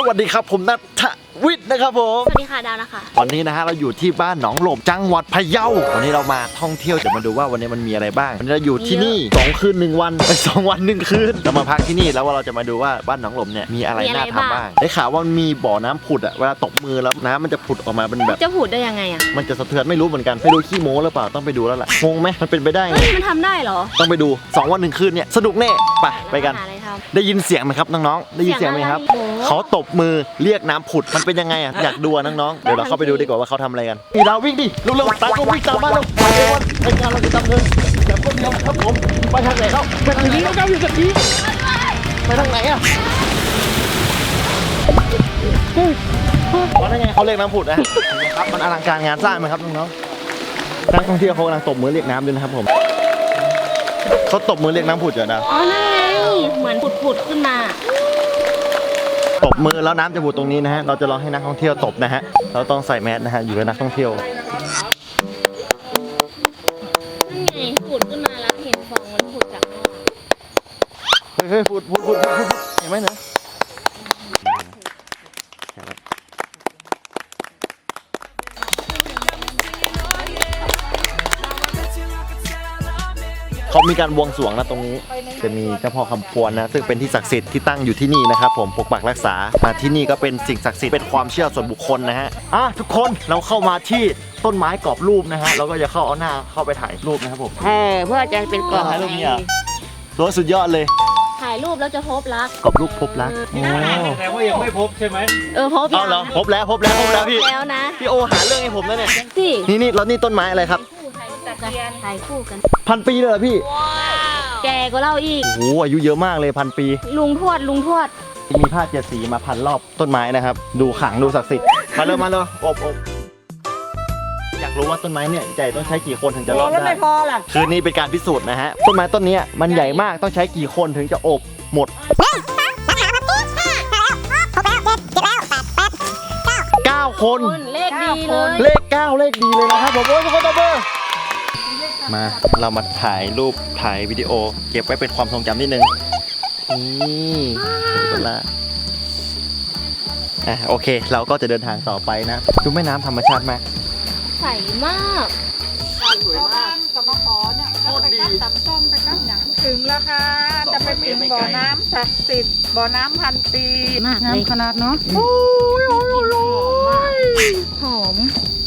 วัสดีครับผมณัฐวิทย์นะครับผมสวัสดีค่ะดาวนะคะวันนี้นะฮะเราอยู่ที่บ้านหนองหลบจังหวัดพะเยาวันนี้เรามาท่องเที่ยวจะมาดูว่าวันนี้มันมีอะไรบ้างวันนี้เราอยู่ที่นี่2 คืน 1 วันไป2 วัน 1 คืนเรามาพักที่นี่แล้วว่าเราจะมาดูว่าบ้านหนองหลบเนี่ยมีอะไรน่าทำบ้างได้ข่าวว่ามีบ่อน้ำผุดอะเวลาตบมือแล้วน้ำมันจะผุดออกมาเป็นแบบจะผุดได้ยังไงอะมันจะสะเทือนไม่รู้เหมือนกันไปดูขี้โม้หรือเปล่าต้องไปดูแล้วแหละงงไหมมันเป็นไปได้ไงมันทำได้เหรอต้องไปดู2 วัน 1 คืนเนี่ยสนุกแน่ไปกันได้ยินเสียงไหมครับน้องๆได้ยินเสียงไหมครับเขาตบมือเรียกน้ำผุดมันเป็นยังไงอะอยากดูน้องๆเดี๋ยวเราเข้าไปดูดีกว่าว่าเขาทำอะไรกันนี่เราวิ่งดิเร็วๆตามก็วิ่งตามบ้านเราไปเร็วรายการเราจะดำเนินแบบคนเดียวครับผมไปทางไหนครับไปทางนี้ก็อยู่กับนี้ไปทางไหนอะว่าได้ไงเขาเรียกน้ำผุดนะครับมันอลังการงานสร้างไหมครับน้องๆนักท่องเที่ยวเขากำลังตบมือเรียกน้ำด้วยนะครับผมเขาตบมือเรียกน้ำผุดอยู่นะอ๋อนั่นไงเหมือนผุดขึ้นมาตบมือแล้วน้ำจะผุดตรงนี้นะฮะเราจะลองให้นักท่องเที่ยวตบนะฮะเราต้องใส่แมสนะฮะอยู่กับนักท่องเที่ยวนั่นไงผุดขึ้นมาแล้วเห็นฟองมันผุดจากข้างเฮ้ยผุดเห็นไหมเนี่ยเขามีการบวงสรวงนะตรงนี้จะมีเจ้าพ่อคำพวนนะซึ่งเป็นที่ศักดิ์สิทธิ์ที่ตั้งอยู่ที่นี่นะครับผมปกปักรักษาที่นี่ก็เป็นสิ่งศักดิ์สิทธิ์เป็นความเชื่อส่วนบุคคลนะฮะทุกคนเราเข้ามาที่ต้นไม้กรอบรูปนะฮะเราก็จะเข้าเอาหน้าเข้าไปถ่ายรูปนะครับผมเพื่อจะเป็นกรอบถ่ายรูปนี้รถสุดยอดเลยถ่ายรูปแล้วจะพบรักกรอบรูปพบรักแต่ว่ายังไม่พบใช่ไหมพบเหรอพบแล้วพี่แล้วนะพี่โอหาเรื่องให้ผมแล้วเนี่ยนี่แล้วนี่ต้นไม้อะไรครับถ่ายคู่กัน 1,000 ปีเลยเหรอพี่แกก็เล่าอีกโอ้อายุเยอะมากเลย1,000 ปีลุงทวดมีผ้า7 สีมาพันรอบต้นไม้นะครับดูขลังดูศักดิ์สิทธิ์มาเลยอบอยากรู้ว่าต้นไม้เนี่ยใหญ่ต้องใช้กี่คนถึงจะรอดได้ไม่พอล่ะคือนี่เป็นการพิสูจน์นะฮะต้นไม้ต้นนี้มันใหญ่มากต้องใช้กี่คนถึงจะอบหมด9 คนเลขดีเลยเลข 9เลขดีเลยนะครับผมโอ้ยทุกคนตบมือมาเรามาถ่ายรูปถ่ายวิดีโอเก็บไว้เป็นความทรงจำนิดนึงนี่เป็นละโอเคเราก็จะเดินทางต่อไปนะดูแม่น้ำธรรมชาติมากใสมากสวยมากกับมะขอเนี่ยก็ไปกัดตำส้มไปกัดหยังถึงแล้วค่ะจะไปถึงบ่อน้ำศักดิ์สิทธิ์บ่อน้ำ1,000 ปีมากเลยขนาดเนาะหอม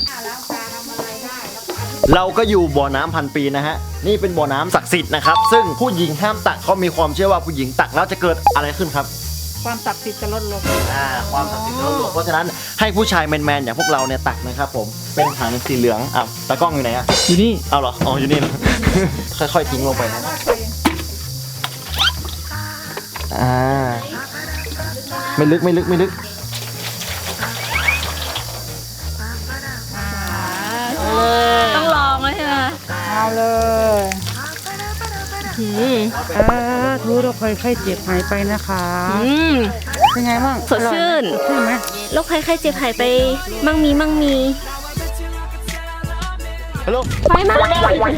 เราก็อยู่บ่อน้ำ1,000 ปีนะฮะนี่เป็นบ่อน้ำศักดิ์สิทธิ์นะครับซึ่งผู้หญิงห้ามตักเขามีความเชื่อว่าผู้หญิงตักแล้วจะเกิดอะไรขึ้นครับความศักดิ์สิทธิ์จะลดลงความศักดิ์สิทธิ์จะลดลงเพราะฉะนั้นให้ผู้ชายแมนๆอย่างพวกเราเนี่ยตักนะครับผมเป็นถังสีเหลืองตากล้องอยู่ไหนอยู่นี่เอาเหรออยู่นี่ ค่อยๆทิ้งลงไปนะไม่ลึกต้องลองเลยใช่ไหมเอาเลยทุกโรคภัยไข้เจ็บหายไปนะคะเป็นไงบ้างสดชื่นใช่ไหมโรคภัยไข้เจ็บหายไปมั่งมีฮัลโหลไปมาสวัส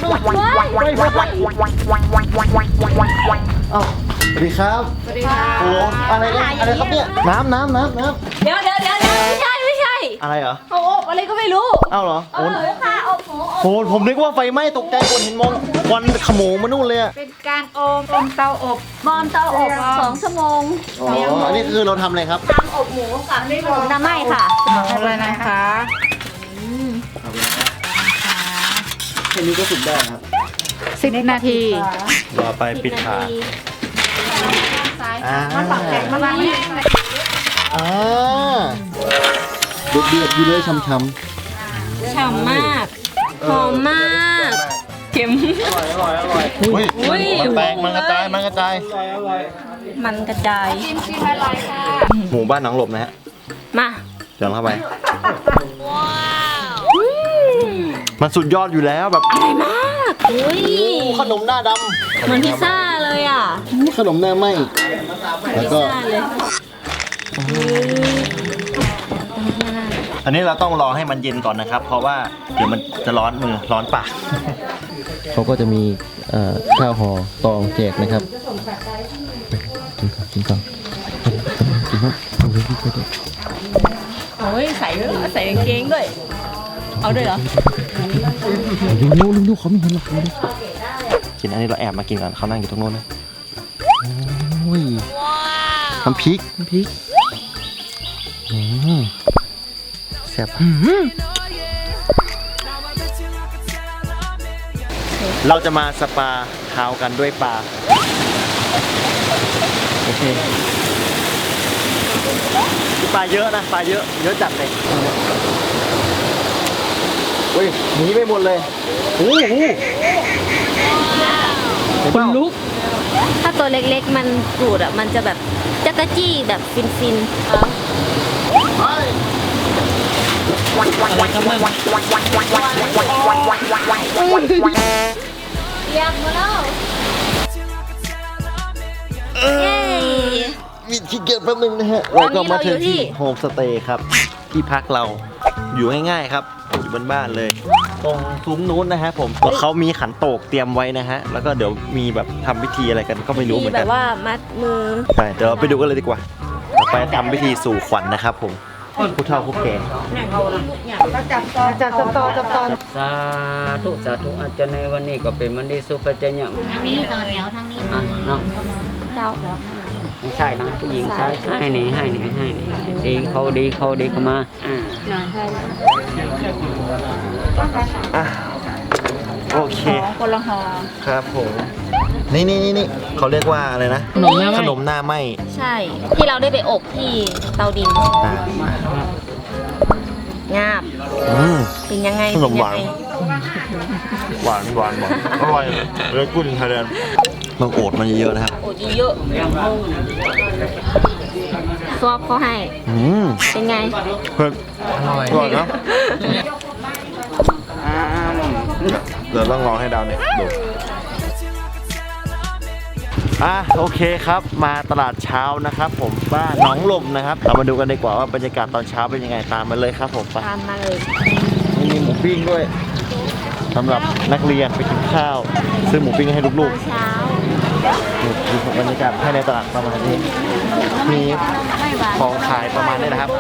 ดีครับโอ้อะไรครับเนี่ยน้ำเดี๋ยวไม่ใช่อะไรเหรอโอ้อะไรก็ไม่รู้เหรอค่ะโหผมนึกว่าไฟไหม้ตกใจคนเห็นมองควันขโมงมานู่นเลยเป็นการอมเตาอบบอมเตาอบ2 ชั่วโมงอันนี้คือเราทำอะไรครับทำอบหมูกับน้ำไหม้ค่ะอะไรนะคะแค่นี้ก็สุกได้ครับ 10 นาทีรอไปปิดฝามันปักแข็งมากเดือดอยู่เลยฉ่ำฉ่ำมากหอมมากเค็มอร่อยมันกระจายมันกระจายหมูบ้านหนองหลบนะฮะมาเดินเข้าไปมันสุดยอดอยู่แล้วแบบอร่อยมากขนมหน้าดำเหมือนพิซซ่าเลยขนมหน้าไหมแล้วก็อันนี้เราต้องรอให้มันเย็นก่อนนะครับเพราะว่าเดี๋ยวมันจะร้อนมือร้อนปากเขาก็จะมีข้าวห่อตองแจกนะครับกินก่อนโอ้ยใส่ด้วยเหรอใส่กางเกงด้วย เอาด้วยเหรอเร็วเขาไม่เห็นหรอกกินอันนี้เราแอบมากินก่อนเขานั่งอยู่ตรงโน้นนะโอ้ยน้ำพริกแซ่บเราจะมาสปาเท้ากันด้วยปลาโอเคปลาเยอะนะปลาเยอะจัดเลยเฮ้ยหนีไปหมดเลยโอ้โหคนลุกถ้าตัวเล็กๆมันกรูดอ่ะมันจะแบบจักรจี้แบบฟินอยากมาแล้วเย้มีขี้เกียจแป๊บนึงนะฮะเราก็มาถึงที่โฮมสเตย์ครับที่พักเราอยู่ง่ายๆครับอยู่บนบ้านเลยตรงซุ้มนู้นนะฮะผมเขามีขันโตกเตรียมไว้นะฮะแล้วก็เดี๋ยวมีแบบทำพิธีอะไรกันก็ไม่รู้เหมือนแบกันบว่ามัดมือใช่เดี๋ยวเราไปดูกันเลยดีกว่าต่อไปทำพิธีสู่ขวัญนะครับผมผู้เฒ่าผู้แก่จับตอนสาธุอาจารย์ในวันนี้ก็เป็นวันดีสุภาพเจริญทางนี้ต่อแถวทางนี้เนาะเจ้าไม่ใช่นะผู้หญิงใช่ให้นี่ดีเขาเข้ามาอ่ะโอเคคนละห่อครับผมนี่เขาเรียกว่าอะไรนะขนมหน้าไหมใช่ ที่เราได้ไปอบที่เตาดินอ่ะงาบ เป็นยังไงขนมหวานเป็นยังไงหวานอร่อยเลยกุ้งไทยแลนด์ต้องโอดมันเยอะๆนะครับโอ้ยเยอะซวบเขาให้ เป็นไงเผ็ดอร่อยนะเดี๋ยวต้องรอให้ดาวเนี่ยดูโอเคครับมาตลาดเช้านะครับผมบ้านหนองลมนะครับเรามาดูกันดีกว่าว่าบรรยากาศตอนเช้าเป็นยังไงตามมาเลยครับผมไปตามมาเลยนี่มีหมูปิ้งด้วยสำหรับนักเรียนไปกินข้าวซื้อหมูปิ้งให้ลูกเช้าๆนี่คือบรรยากาศภายในตลาดประมาณนี้มีของขายประมาณนี้นะครับ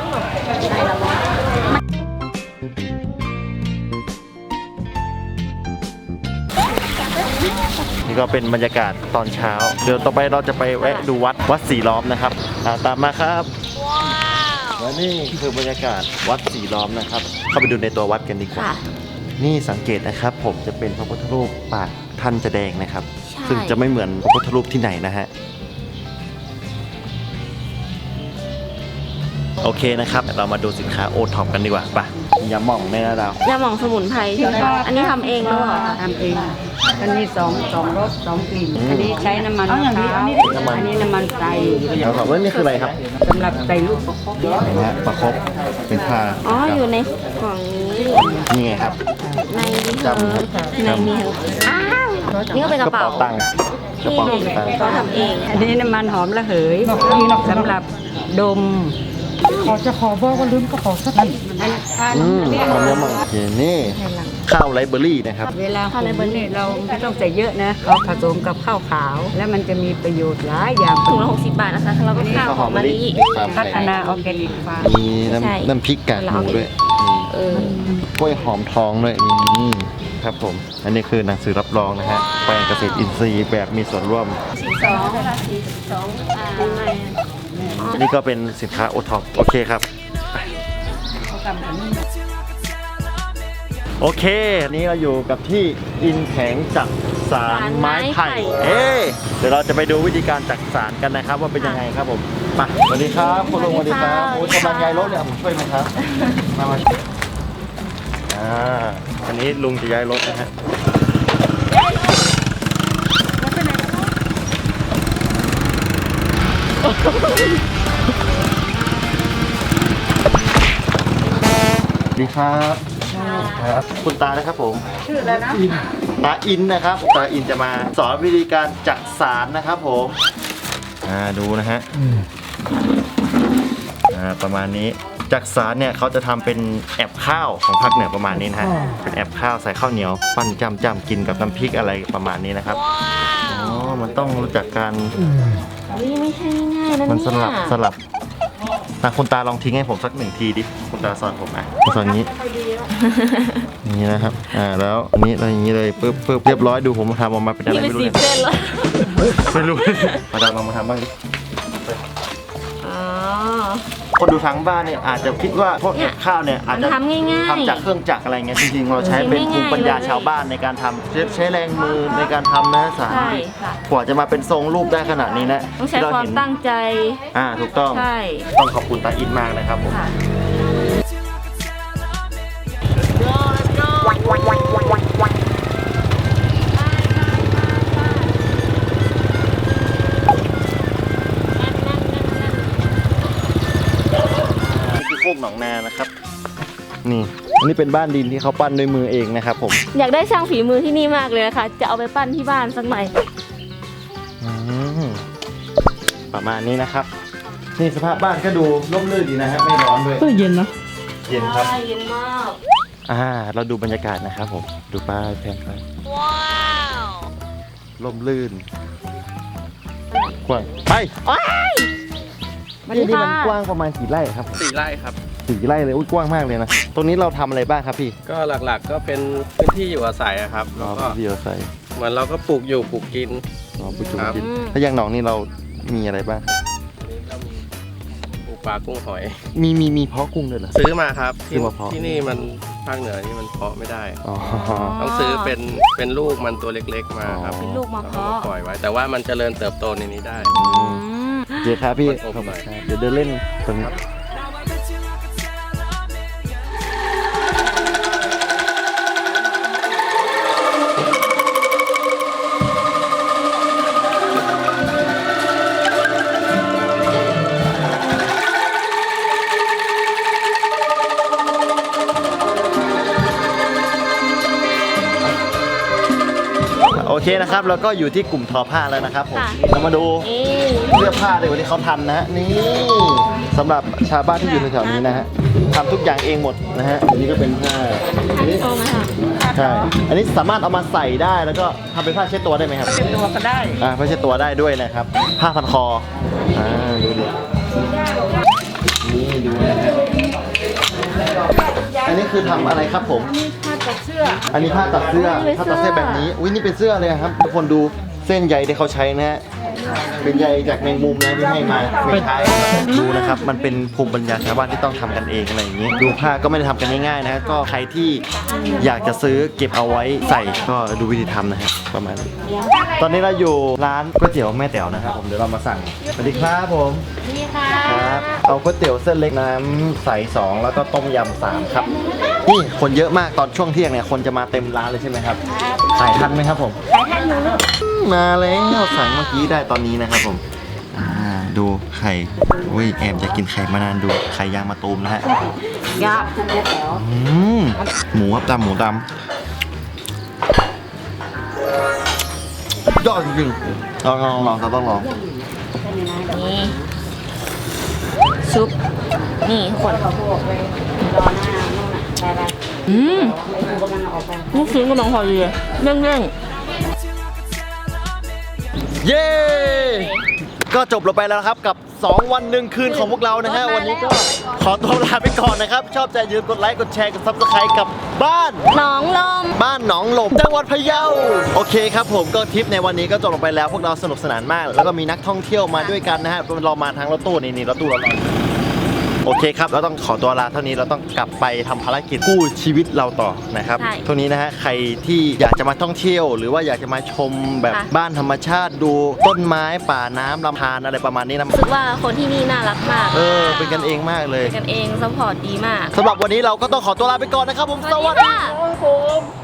นี่ก็เป็นบรรยากาศตอนเช้าเดี๋ยวต่อไปเราจะไปแวะดูวัดสีล้อมนะครับตามมาครับและนี่คือบรรยากาศวัดสีล้อมนะครับ เข้าไปดูในตัววัดกันดีกว่าค่ะนี่สังเกตนะครับผมจะเป็นพระพุทธรูปปากท่านจะแดงนะครับใช่ซึ่งจะไม่เหมือนพระพุทธรูปที่ไหนนะฮะโอเคนะครับเรามาดูสินค้าโอท็อปกันดีกว่าป่ะยาหม่องแม่นะดาวยาหม่องสมุนไพรใช่ไหมคะอันนี้ทำเองหรือเปล่าคะทำเองอันนี้สองรส2กลิ่นอันนี้ใช้น้ำมันมะพร้าวอันนี้น้ำมันไก่แล้วครับว่านี่คืออะไรครับสำหรับใส่ลูกประคบเห็นไหมฮะประคบเป็นผ้าอ๋ออยู่ในกล่องนี้นี่ไงครับในนี้เธอในนี้เธออ้าวนี่ก็เป็นกระเป๋าตังค์กระที่เป๋าตังค์เขาทำเองอันนี้น้ำมันหอมระเหยสำหรับดมหอมยาหม่องโอเคนี่ข้าวไรเบอรี่นะครับเวลาหุงเนี่ยเราไม่ต้องใส่เยอะนะเขาผสมกับข้าวขาว แล้วมันจะมีประโยชน์หลายอย่างถุงละ60 บาทนะคะแล้วก็ข้าวหอมมะลิพัฒนาออร์แกนิกฟาร์มมีใช่น้ำพริกกากหมูด้วยเออกล้วยหอมทองด้วยครับผม อันนี้คือหนังสือรับรองนะฮะแปลงเกษตรอินทรีย์แบบมีส่วนร่วม อันนี้ก็เป็นสินค้าโอท็อปโอเคครับไปโอเคอันนี้เราอยู่กับที่อินแผงจักสารไม้ไผ่เดี๋ยวเราจะไปดูวิธีการจักสารกันนะครับ ว่าเป็นยังไงครับผมไปสวัสดีครับคุณลุงสวัสดีครับโอ้ยกำลังย้ายรถเนี่ยผมช่วยไหมครับมาอันนี้ลุงจะย้ายรถนะฮะสวัสดีครับคุณตานะครับผมชื่ออะไรนะตาอินนะครับตาอินจะมาสอนวิธีการจักสารนะครับผมดูนะฮะประมาณนี้จักสารเนี่ยเขาจะทำเป็นแอบข้าวของภาคเหนือประมาณนี้นะฮะเป็นแอบข้าวใส่ข้าวเหนียวปั้นจ้ำกินกับน้ำพริกอะไรประมาณนี้นะครับอ๋อมันต้องรู้จักการไม่ใช่ง่ายนะมันเนี่ยสลับคุณตาลองทิ้งให้ผมสัก1 ทีดิคุณตาสอนผมนะสอนอย่างนี้นี่นะครับแล้วอันนี้อะไรอย่างนี้เลยปึ๊บเรียบร้อยดูผมทำออกมาเป็นอะไรนี่เป็นไม่รู้สีเลยเส้นเลยไม่รู้มาดามลองมาทำบ้างดิอ๋อคนดูทั้งบ้านเนี่ยอาจจะคิดว่าพวกกับข้าวเนี่ยอาจจะมันทำง่ายๆทำจากเครื่องจักรอะไรเงี้ยจริงๆเราใช้เป็นภูมิปัญญาชาวบ้านในการทำใช้แรงมือในการทำนะสาใช่ค่ะกว่าจะมาเป็นทรงรูปได้ขนาดนี้นะต้องใช้ความตั้งใจถูกต้องใช่ต้องขอบคุณตาอินมากนะครับผมค่ะนี่คือโคกหนองนานะครับนี่อันนี้เป็นบ้านดินที่เขาปั้นด้วยมือเองนะครับผมอยากได้ช่างฝีมือที่นี่มากเลยนะคะ จะเอาไปปั้นที่บ้านสักหน่อยประมาณนี้นะครับนี่สภาพบ้านก็ดูร่มรื่นดีนะฮะไม่ร้อนด้วยเย็นเนาะเย็นครับเย็นมากเราดูบรรยากาศนะครับผมดูป้ายแพนไปว้าวร่มรื่นกว้างไป นี่มันกว้างประมาณกี่ไร่ครับผม 4 ไร่ครับ 4 ไร่เลยอุ้ยกว้างมากเลยนะตรงนี้เราทำอะไรบ้างครับพี่ก็หลักๆก็เป็นพื้นที่อยู่อาศัยอะครับแล้วก็พี่เอาใส่เหมือนเราก็ปลูกอยู่ปลูกกินปุจุครับกินถ้าอย่างหนองนี่เรามีอะไรบ้างปลูกปลากุ้งหอยมีเพาะกุ้งด้วยเหรอซื้อมาครับซื้อมาเพาะที่นี่มันภาคเหนือนี่มันเพาะไม่ได้อ๋อต้องซื้อเป็นลูกมันตัวเล็กๆมาครับอ๋อลูกมาแล้วก็เพาะปล่อยไว้ แต่ว่ามันเจริญเติบโตในนี้ได้อืมเดี๋ยวครับพี่โอเคเดี๋ยวเดินเล่นตรงนี้โอเคนะครับแล้วก็อยู่ที่กลุ่มทอผ้าแล้วนะครับผมค่ะเรามาดูนี่เสื้อผ้าเลยวันนี้เขาทำนะฮะนี่สำหรับชาวบ้านที่อยู่แถวๆนี้นะฮะทำทุกอย่างเองหมดนะฮะอันนี้ก็เป็นผ้าอันนี้โตมาค่ะใช่อันนี้สามารถเอามาใส่ได้แล้วก็ทำเป็นผ้าเช็ดตัวได้ไหมครับเป็นตัวก็ได้ผ้าเช็ดตัวได้ด้วยนะครับผ้าพันคอดูดินี่ดูนะฮะอันนี้คือทำอะไรครับผมผ้าตัดเสื้ออันนี้ผ้าตัดเสื้อผ้าตัดเสื้อแบบนี้อุ้ยนี่เป็นเสื้อเลยครับทุกคนดูเส้นใยที่เขาใช้นะฮะเป็นใยจากแมงมุมนะที่ให้มาไม่ใช่ดูนะครับมันเป็นภูมิปัญญาชาวบ้านที่ต้องทำกันเองอะไรอย่างนี้ดูผ้าก็ไม่ได้ทำกันง่ายๆนะก็ใครที่อยากจะซื้อเก็บเอาไว้ใส่ก็ดูวิธีทำนะฮะประมาณนี้ตอนนี้เราอยู่ร้านก๋วยเตี๋ยวแม่แต๋วนะครับผมเดี๋ยวเรามาสั่งสวัสดีครับผมนี่ค่ะครับเอาก๋วยเตี๋ยวเส้นเล็กน้ำใส2แล้วก็ต้มยำ3ครับนี่คนเยอะมากตอนช่วงเที่ยงเนี่ยคนจะมาเต็มร้านเลยใช่ไหมครับขายทันไหมครับผมขายทันอยู่ลูกมาแล้วสั่งเมื่อกี้ได้ตอนนี้นะครับผมดูไข่อุ้ยแอบจะกินไข่มานานดูไข่ยางมะตูมนะฮะยากหมูครับหมูดำยอดจริงๆลองครับต้องลองนี่ซุป นี่ทุกคนลูกชิ้นกำลังพอดีเลยเร่งเย้ก็จบลงไปแล้วนะครับกับ2 วัน1 คืนของพวกเรานะฮะวันนี้ก็ขอตัวลาไปก่อนนะครับชอบใจอย่าลืมกดไลค์กดแชร์กด Subscribe กับบ้านๆหนองลมบ้านหนองหลมจังหวัดพะเยาโอเคครับผมก็ทริปในวันนี้ก็จบลงไปแล้วพวกเราสนุกสนานมาก แล้วก็มีนักท่องเที่ยวมาด้วยกันนะฮะเรามาทางรถตู้นี่รถตู้เราโอเคครับเราต้องขอตัวลาเท่านี้เราต้องกลับไปทำภารกิจกู้ชีวิตเราต่อนะครับใช่เท่านี้นะฮะใครที่อยากจะมาท่องเที่ยว หรือว่าอยากจะมาชมแบบค่ะบ้านธรรมชาติดูต้นไม้ป่าน้ำลำธารอะไรประมาณนี้นะรู้สึกว่าคนที่นี่น่ารักมากเป็นกันเองมากเลยเป็นกันเองซัพพอร์ตดีมากสำหรับวันนี้เราก็ต้องขอตัวลาไปก่อนนะครับผมสวัสดีค่ะครับผม